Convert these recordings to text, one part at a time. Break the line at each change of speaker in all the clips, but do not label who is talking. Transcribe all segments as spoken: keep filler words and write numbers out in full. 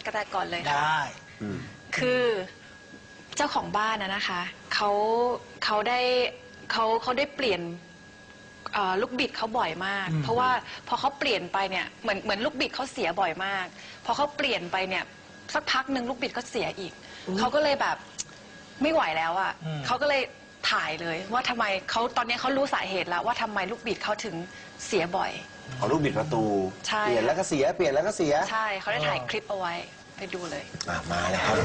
กระแตก่อนเลยค่ะ
ได้
คือเจ้าของบ้านนะนะคะเขาเขาได้เขาเขาได้เปลี่ยนลูกบิดเขาบ่อยมากเพราะว่าพอเขาเปลี่ยนไปเนี่ยเหมือนเหมือนลูกบิดเขาเสียบ่อยมากพอเขาเปลี่ยนไปเนี่ยสักพักหนึ่งลูกบิดเขาเสียอีกเขาก็เลยแบบไม่ไหวแล้วอ่ะเขาก็เลยถ่ายเลยว่าทำไมเขาตอนนี้เขารู้สาเหตุแล้วว่าทำไมลูกบิดเขาถึงเสียบ่อย
เอาลูกบิดประตูเปลี่ยนแล้วก็เสียเปลี่ยนแล้วก็เสีย
ใช่เขาได้ถ่ายคลิปเอาไว้ไปดูเลย
มาเลยครับ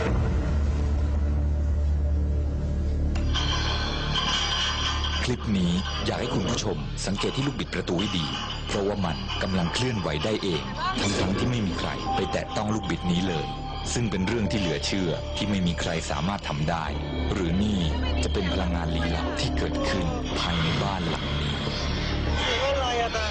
คลิปนี้อยากให้คุณผู้ชมสังเกตที่ลูกบิดประตูให้ดีเพราะว่ามันกำลังเคลื่อนไหวได้เองทั้งๆที่ไม่มีใครไปแตะต้องลูกบิดนี้เลยซึ่งเป็นเรื่องที่เหลือเชื่อที่ไม่มีใครสามารถทำได้หรือนี่จะเป็นพลังงานลี้ลับที่เกิดขึ้นภายในบ้านหลังนี้
อะไรอะตา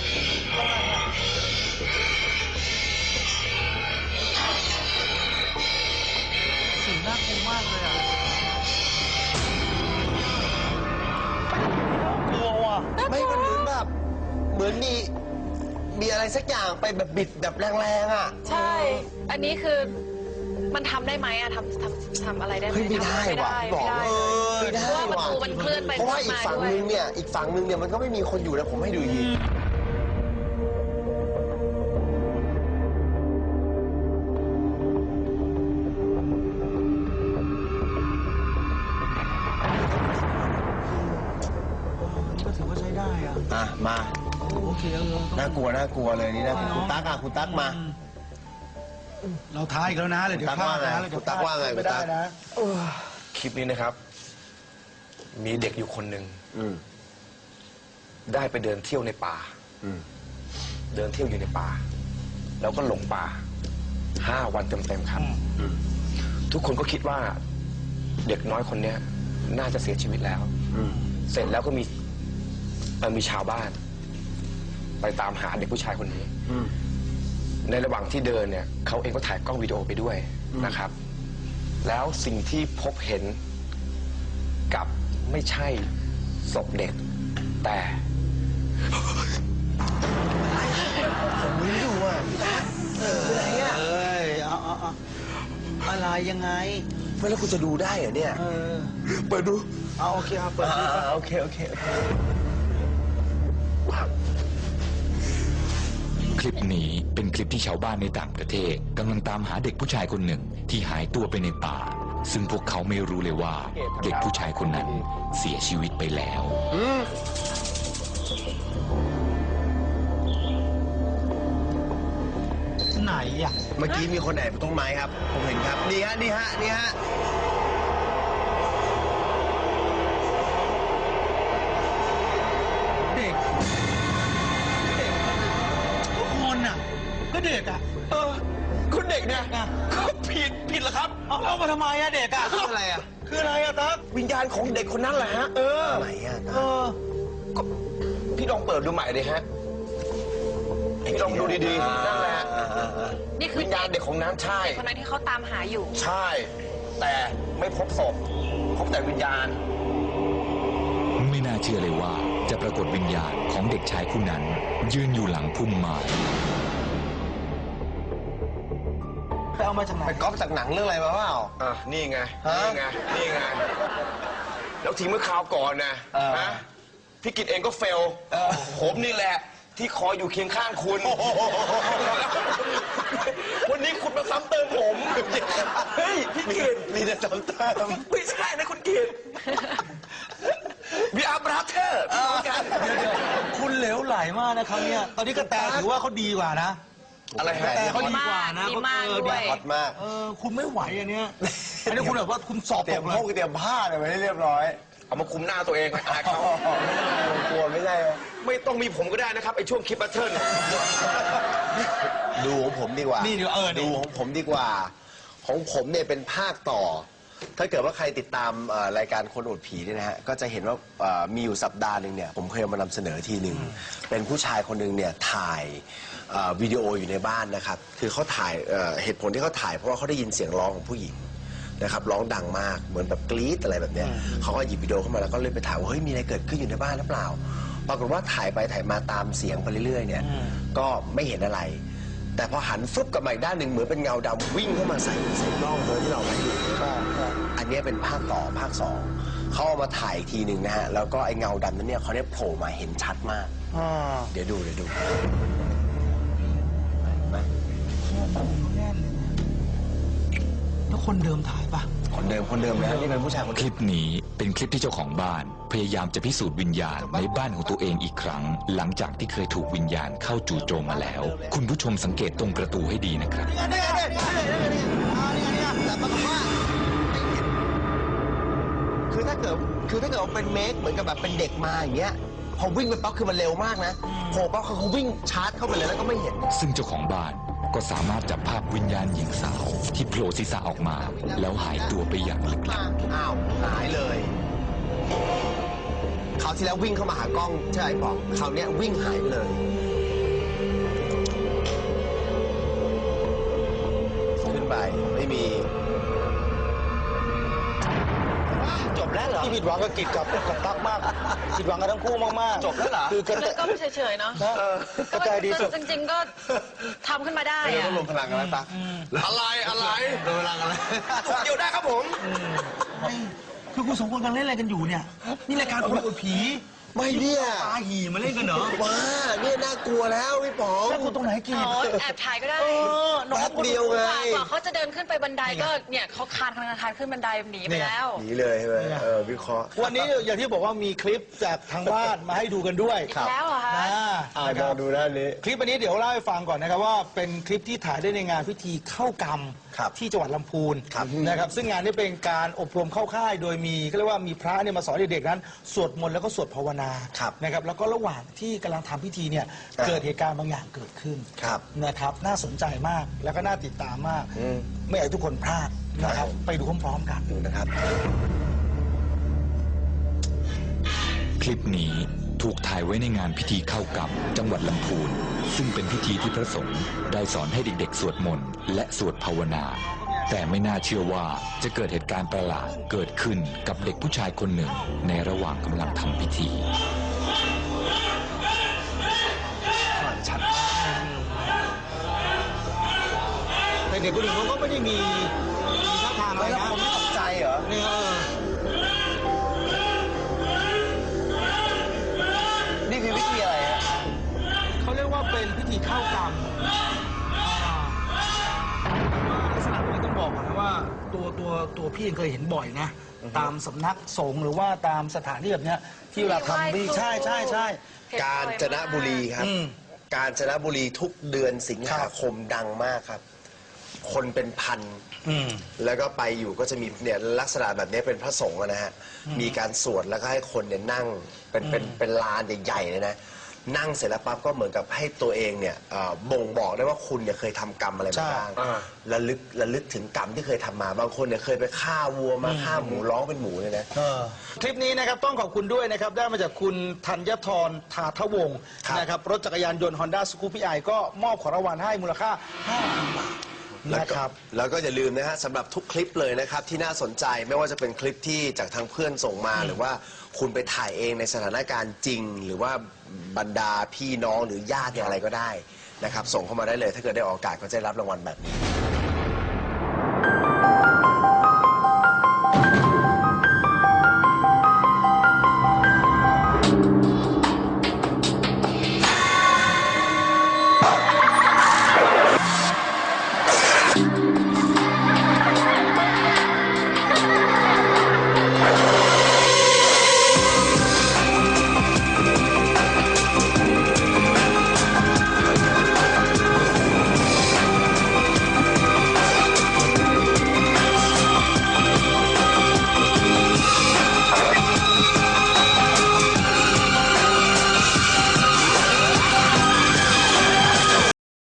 สีน่ากลัวมากเลยอะกลัวว่ะ
ไม่มันเหมือนแบบเหมือนมีมีอะไรสักอย่างไปแบบบิดแบบแรงๆอ่ะ
ใช่อันนี้คือมันทำได้ไหมอะทำทำทำอะไรได้ไหม
ไม่ได้ว่ะบอกเลยไม่ได้
เพราะว่าประตูมันเคลื่อนไป
เพราะว่าอีกฝั่งนึงเนี่ยอีกฝั่งนึงเนี่ยมันก็ไม่มีคนอยู่นะผมให้ดูยี
ก็ถือว่าใช้ได้อ่ะ
อ่ะมา
โอเคเออ
น่ากลัวน่ากลัวเลยนี่นะคุณตั๊กอ่ะคุณตั๊กมา
เราท้ายอีกแล้วนะเลยเดี๋ยวพลาดนะ
คุณตั๊กว่าไงคุณตั๊ก
คลิปนี้นะครับมีเด็กอยู่คนหนึ่งได้ไปเดินเที่ยวในป่าเดินเที่ยวอยู่ในป่าแล้วก็หลงป่าห้าวันเต็มๆครับทุกคนก็คิดว่าเด็กน้อยคนนี้น่าจะเสียชีวิตแล้วเสร็จแล้วก็มีมีชาวบ้านไปตามหาเด็กผู้ชายคนนี้ในระหว่างที่เดินเนี่ยเขาเองก็ถ่ายกล้องวิดีโอไปด้วยนะครับแล้วสิ่งที่พบเห็นกับไม่ใช่ศพเด็กแต่
ผมไม่รู้อ่ะเอออะไรอ่ะ
เอ้ยเอาเอาเอาอะไรยังไง
ไม่แล้วคุณจะดูได้เหรอเนี่ย
เออ
เปิดดู
เอาโอเคครับเปิดดู
โอเคโอเคโอเค
คลิปนี้เป็นคลิปที่ชาวบ้านในต่างประเทศกำลังตามหาเด็กผู้ชายคนหนึ่งที่หายตัวไปในป่าซึ่งพวกเขาไม่รู้เลยว่าเด็กผู้ชายคนนั้นเสียชีวิตไปแล้ว
ไหนอ่ะ
เมื่อกี้มีคนแอบต้นไม้ครับผมเห็นครับนี่ฮะนี่ฮะนี่ฮะ
เด็กเด็กทุกคนอ่ะก็เด็กอ่ะ
เออคุณเด็กเนี่ยก็ผิดผิดเหรอครับ
เอาเรามาทำไมอะเด็กอะ
คืออะไรอะ
คืออะไรอะตั๊ก
วิญญาณของเด็กคนนั้นแหละฮะเอออะไรอะ
เออ
ก็พี่ลองเปิดดูใหม่เลยฮะพี่ลองดูดีๆนั่นแหละ
นี่คือ
วิญญาณเด็กของนั้นใช่
คนนั้นที่เขาตามหาอยู่
ใช่แต่ไม่พบศพพบแต่วิญญาณ
ไม่น่าเชื่อเลยว่าจะปรากฏวิญญาณของเด็กชายผู้นั้นยืนอยู่หลังพุ่มไม้
ไปเอามาจากไหน
ไปก๊อปจากหนังเรื่องอะไรมาเปล่า
อ่ะนี่ไงนี่ไงนี่ไงแล้วทีเมื่อคราวก่อนนะนะพี่กิตเองก็เฟลผมนี่แหละที่คอยอยู่เคียงข้างคุณวันนี้คุณมาซ้ำเติมผมเฮ้ยพี่กิต
มีแต่ซ้ำเติม
ไม่ใช่นะคุณกิตวิอาบราเธอร์กัน
คุณเหลวไหลมากนะครับเนี่ยตอนนี้กระแตถือว่าเขาดีกว่านะ
อะไรฮะ
แต่เขาดีกว่านะ
ดีมากด้วย
ฮอตมาก
เออคุณไม่ไหวอันเนี้ยอันนี้คุณแบบว่าคุณสอบ
เตรียมพวกเตรียมผ้าเนี่ยไว้ให้เรียบร้อย
เอามาคุมหน้าตัวเองอายเขา
กลัวไม่ใช่
ไม่ต้องมีผมก็ได้นะครับไอช่วงคลิปบัตเทิล
ดูของผมดีกว่า
นี่ดูเออ
ดูของผมดีกว่าของผมเนี่ยเป็นภาคต่อถ้าเกิดว่าใครติดตามรายการคนอวดผีเนี่ยนะฮะก็จะเห็นว่ามีอยู่สัปดาห์หนึ่งเนี่ยผมเคยมานำเสนอทีหนึ่งเป็นผู้ชายคนหนึ่งเนี่ยถ่ายวิดีโออยู่ในบ้านนะครับคือเขาถ่ายเหตุผลที่เขาถ่ายเพราะว่าเขาได้ยินเสียงร้องของผู้หญิงนะครับร้องดังมากเหมือนแบบกรี๊ดอะไรแบบเนี้ยเขาก็หยิบวิดีโอเข้ามาแล้วก็เลยไปถามว่าเฮ้ยมีอะไรเกิดขึ้นอยู่ในบ้านหรือเปล่าปรากฏว่าถ่ายไปถ่ายมาตามเสียงไปเรื่อยๆเนี่ยก็ไม่เห็นอะไรแต่พอหันฟึบกลับมาอีกด้านหนึ่งเหมือนเป็นเงาดำวิ่งเข้ามาใส่ใส่กล้องเลยที่เราไว้อยู่อันนี้เป็นภาคต่อภาคสองเขาเอามาถ่ายอีกทีหนึ่งนะฮะแล้วก็ไอ้เงาดำนั้นเนี่ยเขาเนี่ยโผล่มาเห็นชัดมากเดี๋ยวดูเดี๋ยวดู
แล้วคนเดิมถ่ายปะ
คนเดิมคนเดิมนะนี่เป็นผู้ชายคน
คลิปนี้เป็นคลิปที่เจ้าของบ้าน พยายามจะพิสูจน์วิญญาณในบ้านของตัวเองอีกครั้ง หลังจากที่เคยถูกวิญญาณเข้าจู่โจมมาแล้ว คุณผู้ชมสังเกตตรงประตูให้ดีนะครับ
เนี่ยเนี่ยเนี่ยเนี่ยแต่ปรากฏว่าไม่เห็นคือถ้าเกิดคือถ้าเกิดว่าเป็นเมคเหมือนกับแบบเป็นเด็กมาอย่างเงี้ยพอวิ่งไปปั๊บคือมันเร็วมากนะโผล่ปั๊บเขาวิ่งชาร์จเข้าไปเลยแล้วก็ไม่เห็น
ซึ่งเจ้าของบ้านก็สามารถจับภาพวิญญาณหญิงสาวที่โผล่ศีรษะออกมา แล้วหายตัวไปอย่างลึกลับ
อ้าวหายเลยคราวที่แล้ววิ่งเข้ามาหากล้องใช่ไหมบอกคราวเนี้ยวิ่งหายไปเลยขึ้นไปไม่มีจบแล้วเหรอ
ที่ผิดหวังกับกิจกับกับตั๊กมากผิดหวังกันทั้งคู่มากๆ
จบแล้วเหรอ
คือกัน
แล้วก็ไม่เฉยๆเนาะ
นะกระจายดีสุด
จริงๆก็ทำขึ้นมาได้
ไม่
อะ
ต้องลงพลังกันแล้วตั๊กอะไรอะไรลงพลังกันแล้วเดี๋ยวได้ครับผม
คือคุณสองคนกำลังเล่นอะไรกันอยู่เนี่ยนี่รายการคนอวดผี
ไม่เนี่ย
ปาหี่มาเล่นกันเหรอ
ว้าเนี่ยน่ากลัวแล้วพี่ป๋อง
แล้วคุณตรงไหนกิจ
อ๋อแอบถ่ายก็ได้
เออน้อง
แป๊บเดียวไง
กว่าเขาจะเดินขึ้นไปบันไดก็เนี่ยเขาคานคานคานขึ้นบันไดหนีไปแล้ว
หนีเลยใช่ไหมเออวิเคราะห์
วันนี้อย่างที่บอกว่ามีคลิปจากทางบ้านมาให้ดูกันด้วย
อีกแล้วเหรอคะ
นะ
อ่า
นะค
มา
รับ
ดูด้านนี้
คลิปอันนี้เดี๋ยวเล่าให้ฟังก่อนนะครับว่าเป็นคลิปที่ถ่ายได้ในงานพิธีเข้ากรรม
ครับ
ที่จังหวัดลำพูน
ครับ
นะครับซึ่งงานนี้เป็นการอบรมเข้าค่ายโดยมีก็เรียกว่ามีพระเนี่ยมาสอนเด็กๆนั้นสวดมนต์แล้วก็สวดภาวนา
ครับ
นะครับแล้วก็ระหว่างที่กำลังทำพิธีเนี่ย
อ่า
เกิดเหตุการณ์บางอย่างเกิดขึ้น
ครับ
นะครับน่าสนใจมากแล้วก็น่าติดตามมาก
อืม
ไม่อยากให้ทุกคนพลาดนะค
ครั
รับบ ไปดูพร้อมๆกัน
ดูนะครับ
คลิปนี้ถูกถ่ายไว้ในงานพิธีเข้ากรรมจังหวัดลำพูน ซึ่งเป็นพิธีที่พระสงฆ์ได้สอนให้เด็กๆสวดมนต์และสวดภาวนา แต่ไม่น่าเชื่อว่าจะเกิดเหตุการณ์ประหลาดเกิดขึ้นกับเด็กผู้ชายคนหนึ่งในระหว่างกำลังทำพิธี
แต่เด็กคนอื่นเขาก็ไม่ได้มีมีท่าทางอะไร
แล้ว
นะ
ผมไม่ตกใจเหรอ
เนี่ยเออ
นี่คือวิธีอะไรฮะ
เขาเรียกว่าเป็นพิธีเข้ากรรมอ่าลักษณะนี้ต้องบอกก่อนนะว่าตัวตัวตัวพี่เองเคยเห็นบ่อยนะ ตามสำนักสงฆ์หรือว่าตามสถานที่แบบเนี้ยที่เวลาทำพิธีใช่ใช่ใช่
กาญจนบุรีครับ
อืม
กาญจนบุรีทุกเดือนสิงหาคมดังมากครับ คนเป็นพัน
อืม
แล้วก็ไปอยู่ก็จะมีเนี่ยลักษณะแบบนี้เป็นพระสงฆ์อะนะฮะ มีการสวดแล้วก็ให้คนเนี่ยนั่งเป็นเป็นเป็นลานใหญ่ๆเลยนะ นั่งเสร็จแล้วปั๊บก็เหมือนกับให้ตัวเองเนี่ยเอ่อบ่งบอกได้ว่าคุณเนี่ยเคยทำกรรมอะไรมาบ้าง
ใช่อ่า
ระลึกระลึกถึงกรรมที่เคยทำมา บางคนเนี่ยเคยไปฆ่าวัวมาฆ่าหมูร้องเป็นหมูเลยนะ
เออคลิปนี้นะครับต้องขอบคุณด้วยนะครับ ได้มาจากคุณธัญทรทาทวงศ์
ครับ
นะครับรถจักรยานยนต์ Honda Scoopy i ก็มอบของรางวัลให้มูลค่าห้าพันบาท
แล้ว
นะ
ก็
ครับ
แล้วก็อย่าลืมนะฮะสำหรับทุกคลิปเลยนะครับที่น่าสนใจไม่ว่าจะเป็นคลิปที่จากทางเพื่อนส่งมา หรือว่าคุณไปถ่ายเองในสถานการณ์จริง หรือว่าบรรดาพี่น้องหรือญาติเนี่ยอะไรก็ได้นะครับส่งเข้ามาได้เลยถ้าเกิดได้ออกอากาศก็จะได้รับรางวัลแบบนี้